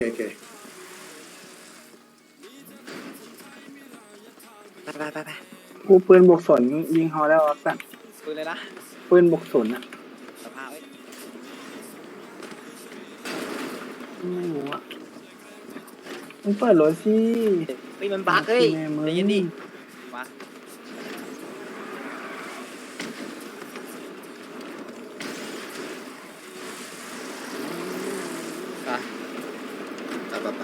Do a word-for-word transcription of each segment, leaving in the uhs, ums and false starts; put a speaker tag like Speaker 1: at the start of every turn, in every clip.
Speaker 1: โอเค
Speaker 2: ไปไปไปไป
Speaker 3: กูปืนบวกสนยิงฮอแล้วสัตว์
Speaker 2: ปืนเลยนะ
Speaker 3: ปืนบวกสนอะ
Speaker 2: สภาพเอ้ย
Speaker 3: ไม่รู้อะมึงเปิดรถสิ
Speaker 2: เฮ้ยมันบักเฮ้ย
Speaker 3: แม่มึง
Speaker 2: ใจเย็นดิมาไป
Speaker 1: ไปไปไป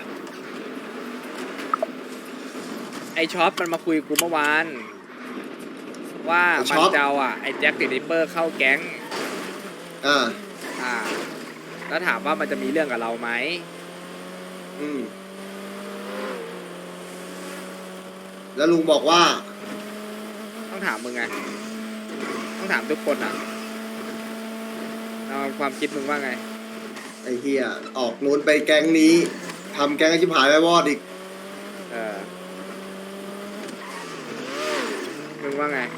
Speaker 4: ไอช็อปมันมาคุยกูเมื่อวาน ว่ามันจะเอาอ่ะไอแจ็คติดริปเปอร์เข้าแก๊ง
Speaker 1: อ่า
Speaker 4: อ่า แล้วถามว่ามันจะมีเรื่องกับเราไหม
Speaker 1: อืมแล้วลุงบอกว่า
Speaker 4: ต้องถามมึงไง ต้องถามทุกคนอ่ะเอาความคิดมึงว่าไง
Speaker 1: ไอ้เฮียออกนู้นไปแก๊งนี้ทำแก๊งให้ชิบหายไปวอดอีก
Speaker 4: เออ มึงว่าไง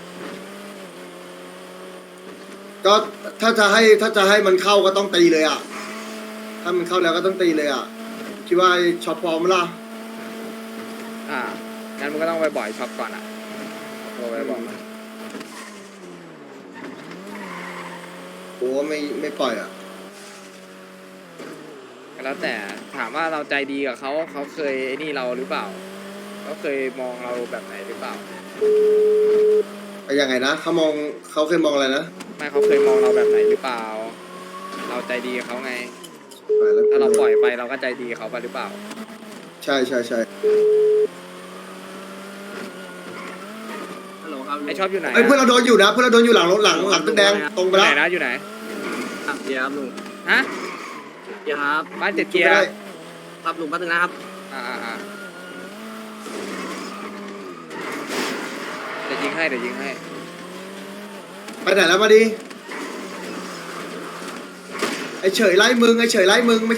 Speaker 1: ก็ถ้าจะให้ถ้าจะให้มันเข้าก็ต้องตีเลยอ่ะ ถ้ามันเข้าแล้วก็ต้องตีเลยอ่ะคิดว่าไอ้ช็อปพร้อมไหมล่ะ
Speaker 4: อ่า งั้นมึงก็ต้องไปบ่อยช็อปก่อนอ่ะโทรไปบอกมัน
Speaker 1: โอ้ไม่ไม่ปล่อยอ่ะ
Speaker 4: ก็แล้วแต่ถามว่าเราใจดีกับเขาเขาเคยไอ้นี่เราหรือเปล่า เขาเคยมองเราแบบไหนหรือเปล่า
Speaker 1: ไปยังไงนะเขามองเขาเคยมองอะไรนะ
Speaker 4: ไม่เขาเคยมองเราแบบไหนหรือเปล่า เราใจดีกับเขาไง
Speaker 1: ไปแล้ว
Speaker 4: ถ้าเราปล่อยไปเราก็ใจดีกับเขาไปหรือเปล่า
Speaker 1: ใช่ใช่ใช่
Speaker 5: ฮัลโหลครับ
Speaker 4: ไอชอบอยู่ไหน
Speaker 1: ไอ้ยเพื่อนเราโดนอยู่นะเพื่อนเราโดนอยู่หลังรถหลังหลังตึกแดงตรงไป
Speaker 4: อยู่
Speaker 1: แล้
Speaker 4: ไหน
Speaker 1: ว
Speaker 4: นะอยู่ไหน
Speaker 5: ครับเดี๋ยวครับลุง
Speaker 4: ฮะ
Speaker 5: เดี๋ยวครับ
Speaker 4: บ้านเจ็ดเกียร์
Speaker 1: ได้
Speaker 5: ครับลุงแป๊บนึงนะครับ
Speaker 4: อ่าอ่าอ่าเดี๋ยวยิงให้เดี๋ยวยิงให้
Speaker 1: ไปไหนแล้วมาดิไอ้เฉยไล่มึงไอ้เฉยไล่มึงไม่ใช่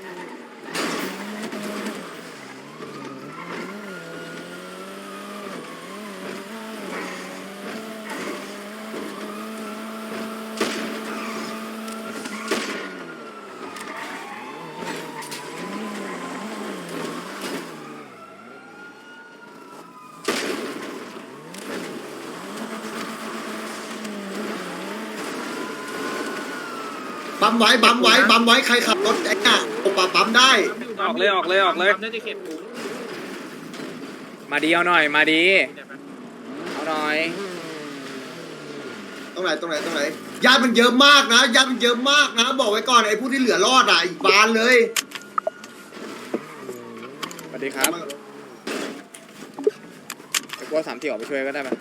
Speaker 1: ปั๊มไว้ปั๊มไว้ปั๊มไว้ใครขับรถไอ้น่ะโอปะปั๊มได้
Speaker 4: ออกเลยออกเลยออกเลย
Speaker 5: น่าจะเข็ดลุง
Speaker 4: มาดีเอาหน่อยมาดีเอาหน่อย
Speaker 1: ตรงไหนตรงไหนตรงไหนญาติมันเยอะมากนะญาติมันเยอะมากนะบอกไว้ก่อนไอ้ผู้ที่เหลือรอดอ่ะอีกบานเลย
Speaker 4: สวัสดีครับไอ้พวกสามที่ออกไปช่วยก็ได้ไหม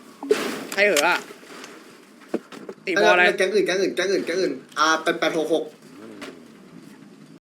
Speaker 4: ใครเหรออ่ะตีบอลอะไร
Speaker 1: แก๊งอื่นแก๊งอื่นแก๊งอื่นแก๊งอื่นอ่าแปดแปดหกหก